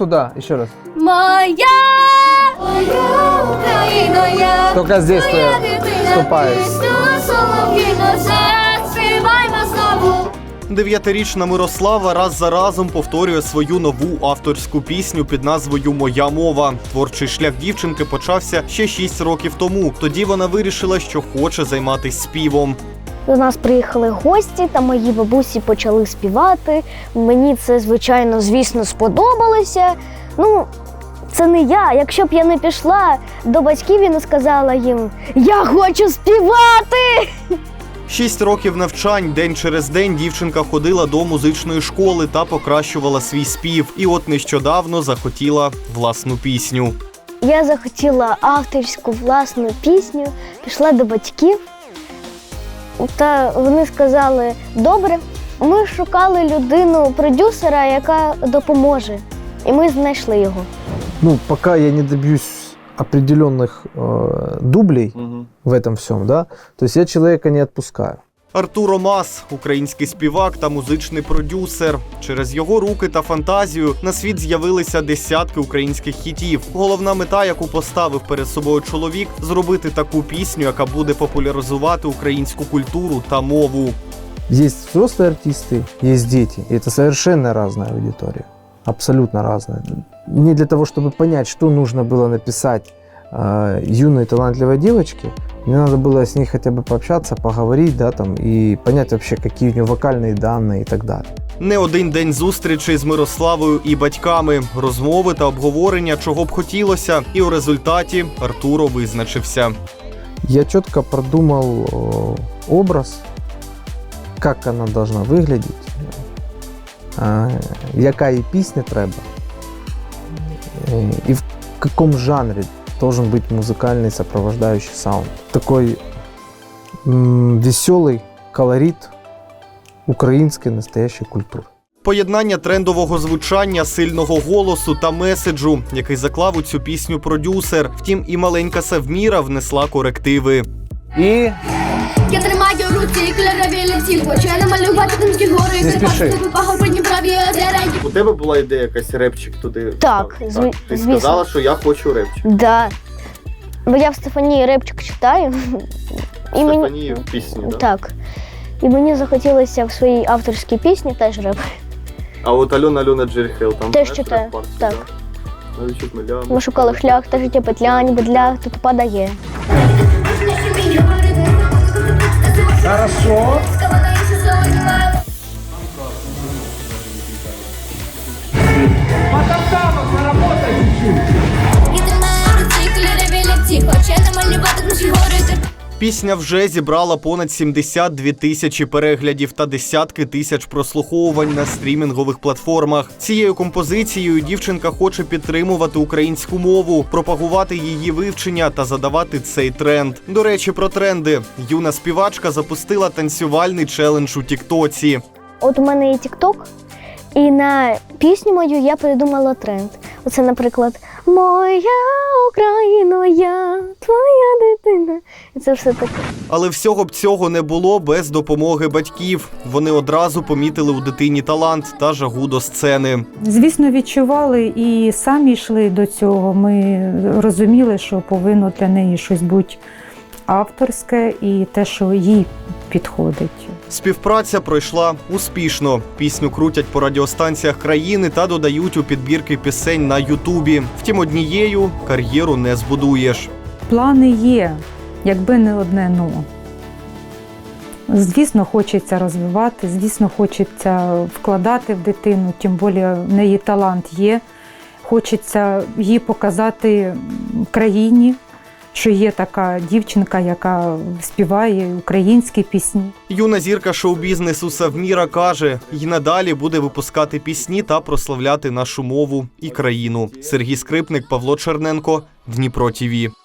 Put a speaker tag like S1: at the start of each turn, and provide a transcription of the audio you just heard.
S1: туда, еще раз.
S2: Моя Україна, я
S1: Только здесь
S2: твоя
S1: ты
S2: дитина,
S1: вступаешь.
S2: пісня солов'їна, заспіваймо знову.
S3: 9-річна Мирослава раз за разом повторює свою нову авторську пісню під назвою «Моя мова». Творчий шлях дівчинки почався ще 6 років тому. Тоді вона вирішила, що хоче займатися співом.
S4: До нас приїхали гості, та мої бабусі почали співати. Мені це, звісно, сподобалося. Ну, це не я. Якщо б я не пішла до батьків і не сказала їм «Я хочу співати!»
S3: 6 років навчань, день через день дівчинка ходила до музичної школи та покращувала свій спів. І от нещодавно захотіла власну пісню.
S4: Я захотіла авторську власну пісню, пішла до батьків. Та вони сказали «Добре». Ми шукали людину-продюсера, яка допоможе. І ми знайшли його.
S1: Ну, пока я не добьюсь определенных дублей в этом всем, да, то есть я человека не отпускаю.
S3: Артур Омас – український співак та музичний продюсер. Через його руки та фантазію на світ з'явилися десятки українських хітів. Головна мета, яку поставив перед собою чоловік – зробити таку пісню, яка буде популяризувати українську культуру та мову.
S1: Есть взрослые артисты, есть дети, и это совершенно разная аудитория, абсолютно разная. Не для того, чтобы понять, что нужно было написать юной талантливой девочке, мне надо было с ней хотя бы пообщаться, поговорить, да, там, и понять вообще, какие у нее вокальные данные и так далее.
S3: Не один день зустрічей з Мирославою і батьками, розмови та обговорення, чого б хотілося, і у результаті Артуро визначився.
S1: Я четко продумал образ, как она должна выглядеть, яка їй пісня треба, и в каком жанре должен быть музыкальный сопровождающий саунд. Такой веселый колорит украинской настоящей культуры.
S3: Поєднання трендового звучання, сильного голосу та меседжу, який заклав у цю пісню продюсер. Втім, і маленька Севміра внесла корективи.
S1: І
S2: Я тримаю у руці кольорові лінці, хочу я намалювати Кримські гори,
S1: Не спіши.
S2: Пагорбині праві озера.
S5: У тебе була ідея якась репчик туди?
S4: Так,
S5: Ти
S4: звісно.
S5: сказала, що я хочу репчик.
S4: Да. Бо я в Стефанії репчик читаю. І
S5: Стефанії в пісні, да?
S4: Так. І мені захотілося в своїй авторській пісні теж реп.
S5: А от Альона Джерхел там
S4: Теж
S5: знаєш,
S4: читаю,
S5: реп-партію,
S4: так.
S5: Да? Навіть миля.
S4: Ми шукали шлях, та життя петля, ніби длях, тут падає.
S1: хорошо.
S2: Я тримаю у руці кольорові лінці, хочу я намалювати Кримські гори.
S3: Пісня вже зібрала понад 72 тисячі переглядів та десятки тисяч прослуховувань на стрімінгових платформах. Цією композицією дівчинка хоче підтримувати українську мову, пропагувати її вивчення та задавати цей тренд. До речі, про тренди. Юна співачка запустила танцювальний челендж у Тіктоці.
S4: От у мене є Тік-Ток, і на пісню мою я придумала тренд. Оце, наприклад, «Моя Україна, я твоя дитина». І це все таке.
S3: Але всього б цього не було без допомоги батьків. Вони одразу помітили у дитині талант та жагу до сцени.
S6: Звісно, відчували і самі йшли до цього. Ми розуміли, що повинно для неї щось бути авторське і те, що їй підходить.
S3: Співпраця пройшла успішно. Пісню крутять по радіостанціях країни та додають у підбірки пісень на Ютубі. Втім, однією кар'єру не збудуєш.
S6: Плани є, якби не одне «но». Звісно, хочеться розвивати, звісно, хочеться вкладати в дитину, тим більше в неї талант є. Хочеться її показати країні, що є така дівчинка, яка співає українські пісні.
S3: Юна зірка шоу-бізнесу Севміра каже, й надалі буде випускати пісні та прославляти нашу мову і країну. Сергій Скрипник, Павло Черненко, Дніпро ТІВІ.